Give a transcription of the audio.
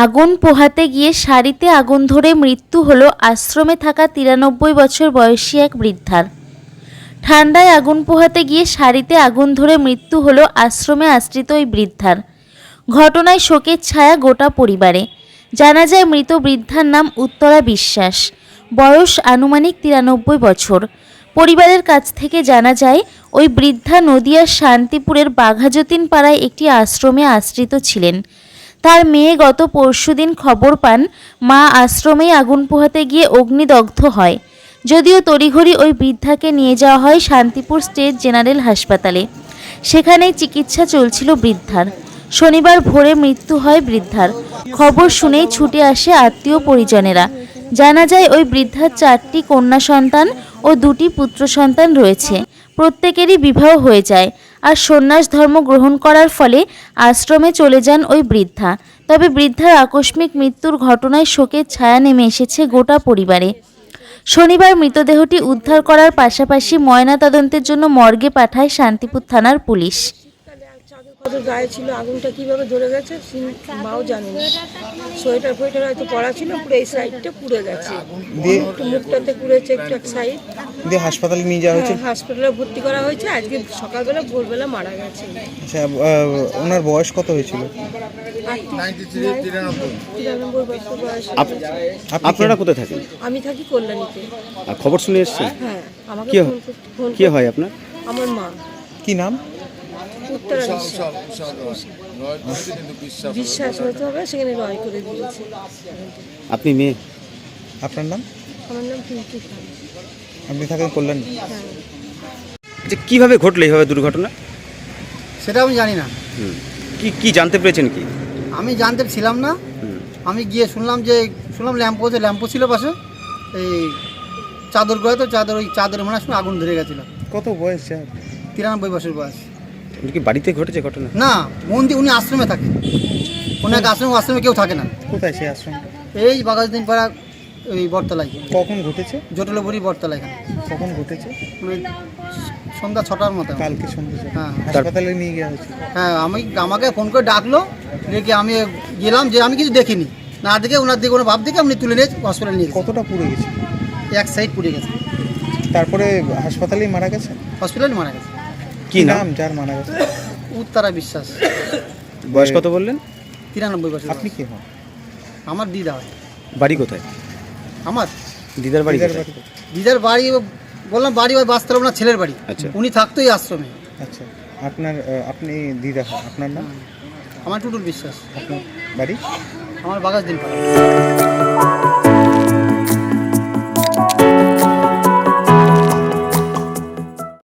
আগুন পোহাতে গিয়ে শাড়িতে আগুন ধরে মৃত্যু হলো আশ্রমে থাকা 93 বছর বয়সী এক বৃদ্ধার। ঠান্ডায় আগুন পোহাতে গিয়ে শাড়িতে আগুন ধরে মৃত্যু হলো আশ্রমে আশ্রিত ওই বৃদ্ধার। ঘটনায় শোকের ছায়া গোটা পরিবারে। জানা যায় মৃত বৃদ্ধার নাম উত্তরা বিশ্বাস, বয়স আনুমানিক 93 বছর। পরিবারের কাছ থেকে জানা যায় ওই বৃদ্ধা নদিয়ার শান্তিপুরের বাঘাযতীন পাড়ায় একটি আশ্রমে আশ্রিত ছিলেন। তার মেয়ে গত পরশুদিন খবর পান মা আশ্রমেই আগুন পোহাতে গিয়ে অগ্নিদগ্ধ হয়। যদিও তড়িঘড়ি ওই বৃদ্ধাকে নিয়ে যাওয়া হয় শান্তিপুর স্টেট জেনারেল হাসপাতালে। সেখানেই চিকিৎসা চলছিল বৃদ্ধার। শনিবার ভোরে মৃত্যু হয় বৃদ্ধার। খবর শুনেই ছুটে আসে আত্মীয় পরিজনেরা। জানা যায় ওই বৃদ্ধার 4টি কন্যা সন্তান ও 2টি পুত্র সন্তান রয়েছে। প্রত্যেকেরই বিবাহ হয়ে যায়। আর সন্ন্যাস ধর্ম গ্রহণ করার ফলে আশ্রমে চলে যান ওই বৃদ্ধা। তবে বৃদ্ধার আকস্মিক মৃত্যুর ঘটনায় শোকের ছায়া নেমে এসেছে গোটা পরিবারে। শনিবার মৃতদেহটি উদ্ধার করার পাশাপাশি ময়নাতদন্তের জন্য মর্গে পাঠায় শান্তিপুর থানার পুলিশ। কত গায়ে ছিল, আগুনটা কিভাবে ধরে গেছে মাও জানে না। সোয়েটার ফোয়েটার হয়তো পড়া ছিল, পুরো এই সাইডটা পুড়ে গেছে, একটু মুখটাতে পুড়েছে, একটু এক সাইড দিয়ে হাসপাতালে নিয়ে যাওয়া হয়েছে। হাসপাতালে ভর্তি করা হয়েছে। আজকে সকালবেলা ভোরবেলা মারা গেছে। আচ্ছা, ওনার বয়স কত হয়েছিল? 93 বছর বয়স। আপনারা কোথায় থাকেন? আমি থাকি কল্যাণীতে। আর খবর শুনে এসেছেন? হ্যাঁ, আমাকে ফোন কি হয় আপনার? আমার মা। কি নাম? উত্তরা বিশ্বাস হতে হবে, সেখানে রয় করে দিয়েছে। আপনি মেয়ে? আপনার নাম? আমার নাম পিঙ্কি খান। আপনি থাকেন কল্যাণী? হ্যাঁ। যে কিভাবে ঘটলো এইভাবে দুর্ঘটনা? সেটা আমি জানি না। কি জানতে পেরেছেন কি? আমি জানতে ছিলাম না। আমি গিয়ে শুনলাম ল্যাম্পো ছিল পাশে, এই চাদর গড়ে, তো ওই চাদরের মনে হয় আগুন ধরে গেছিল। কত বয়স? 93 বছর বয়স। কি বাড়িতে ঘটেছে ঘটনা? না, উনি আশ্রমে থাকে। ওনাকে আশ্রমে কেউ থাকে না। কোথায় সেই আশ্রম? এই বাঘাযতীন পাড়া, ওই বটতলায়। কখন ঘটেছে? জটলবুড়ি বটতলা। এখানে কখন ঘটেছে? মানে সন্ধ্যা 6টার মতো। কালকে সন্ধ্যে। হ্যাঁ, হাসপাতালে নিয়ে গিয়ে হয়েছে। হ্যাঁ, আমাকে ফোন করে ডাকলো, ডেকে আমি গেলাম, যে আমি কিছু দেখিনি, না দেখে ওনার দিকে কোনো ভাব দেখে আপনি তুলে নিয়ে হসপিটালে নিয়ে গেছি। কতটা পুড়ে গেছে? এক সাইড পুড়ে গেছে। তারপরে হাসপাতালেই মারা গেছে? হসপিটালে মারা গেছে। কি নাম যার মারা গেছে? উত্তরা বিশ্বাস। বয়স কত বললেন? 93 বছর। আপনি কি হন? আমার দিদা হয়। বাড়ি কোথায়? আমার দিদার বাড়ি কোথায়? দিদার বাড়ি বললাম, বাড়ি ওই বাস্তব ওনার ছেলের বাড়ি। আচ্ছা। উনি থাকতো এই আশ্রমে। আচ্ছা, আপনি দিদা হন। আপনার নাম? আমার টুটুল বিশ্বাস। আপনার বাড়ি? আমার বাঘাযতীন পাড়া।